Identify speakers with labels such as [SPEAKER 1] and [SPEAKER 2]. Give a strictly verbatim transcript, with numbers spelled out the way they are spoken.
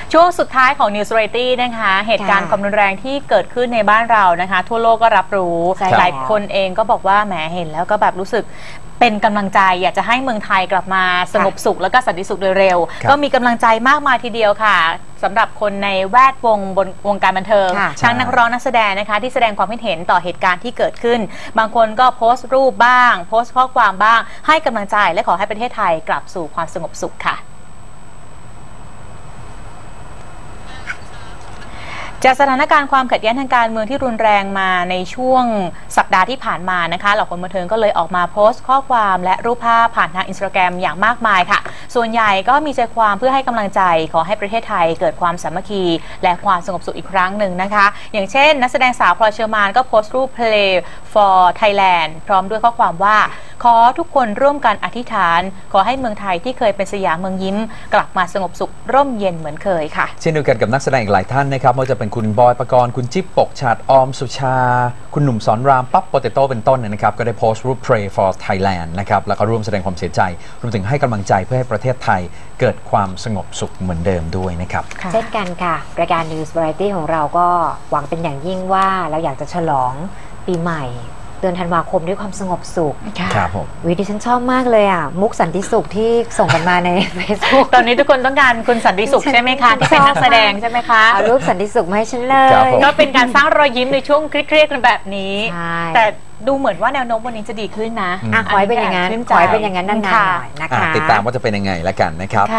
[SPEAKER 1] ช่วงสุดท้ายของ News Variety นะคะเหตุการณ์ความรุนแรงที่เกิดขึ้นในบ้านเรานะคะทั่วโลกก็รับรู้หลายคนเองก็บอกว่าแหมเห็นแล้วก็แบบรู้สึกเป็นกำลังใจอยากจะให้เมืองไทยกลับมาสงบสุขและก็สันติสุขโดยเร็วก็มีกำลังใจมากมายทีเดียวค่ะสำหรับคนในแวดวงบนวงการบันเทิงทั้งนักร้องนักแสดงนะคะที่แสดงความคิดเห็นต่อเหตุการณ์ที่เกิดขึ้นบางคนก็โพสต์รูปบ้างโพสต์ข้อความบ้างให้กำลังใจและขอให้ประเทศไทยกลับสู่ความสงบสุขค่ะจากสถานการณ์ความขัดแย้งทางการเมืองที่รุนแรงมาในช่วงสัปดาห์ที่ผ่านมานะคะเหล่าคนบันเทิงก็เลยออกมาโพสต์ข้อความและรูปภาพผ่านทางอินสตาแกรมอย่างมากมายค่ะส่วนใหญ่ก็มีใจความเพื่อให้กำลังใจขอให้ประเทศไทยเกิดความสามัคคีและความสงบสุขอีกครั้งหนึ่งนะคะอย่างเช่นนักแสดงสาวพลอยเชอร์มานก็โพสต์รูป Play for Thailand พร้อมด้วยข้อความว่าขอทุกคนร่วมกันอธิษฐานขอให้เมืองไทยที่เคยเป็นสยามเมืองยิ้มกลับมาสงบสุขร่มเย็นเหมือนเคยค่ะ
[SPEAKER 2] เช่นเดียวกันกับนักแสดงอีกหลายท่านนะครับไม่ว่าจะเป็นคุณบอยปกรณ์คุณจิ๊บปกฉาดออมสุชาคุณหนุ่มสอนรามปั๊บโปเตโต้เป็นต้นนะครับก็ได้โพสต์รูป Pray for Thailand นะครับแล้วก็ร่วมแสดงความเสียใจรวมถึงให้กำลังใจเพื่อให้ประเทศไทยเกิดความสงบสุขเหมือนเดิมด้วยนะครับ
[SPEAKER 3] เช่นกันค่ะรายการ News Variety ของเราก็หวังเป็นอย่างยิ่งว่าเราอยากจะฉลองปีใหม่เดือนธันวาคมด้วยความสงบสุข
[SPEAKER 2] ครับผม
[SPEAKER 3] วิดิฉันชอบมากเลยอ่ะมุกสันติสุขที่ส่งกันมาใน Facebook
[SPEAKER 1] ตอนนี้ทุกคนต้องการคุณสันติสุขใช่ไหมคะที่เป็นนักแสดงใช่ไหมคะ
[SPEAKER 3] เอารูปสันติสุขมาให้ฉันเลย
[SPEAKER 1] ก็เป็นการสร้างรอยยิ้มในช่วงเครียดๆกันแบบนี้แต่ดูเหมือนว่าแนวโน้มวันนี้จะดีขึ้นนะ
[SPEAKER 3] ขอให้เป็นอย่างนั้นขอให้เป็นอย่างนั้นนานๆหน่อยนะคะ
[SPEAKER 2] ติดตามว่าจะเป็นยังไงแล้วกันนะครับ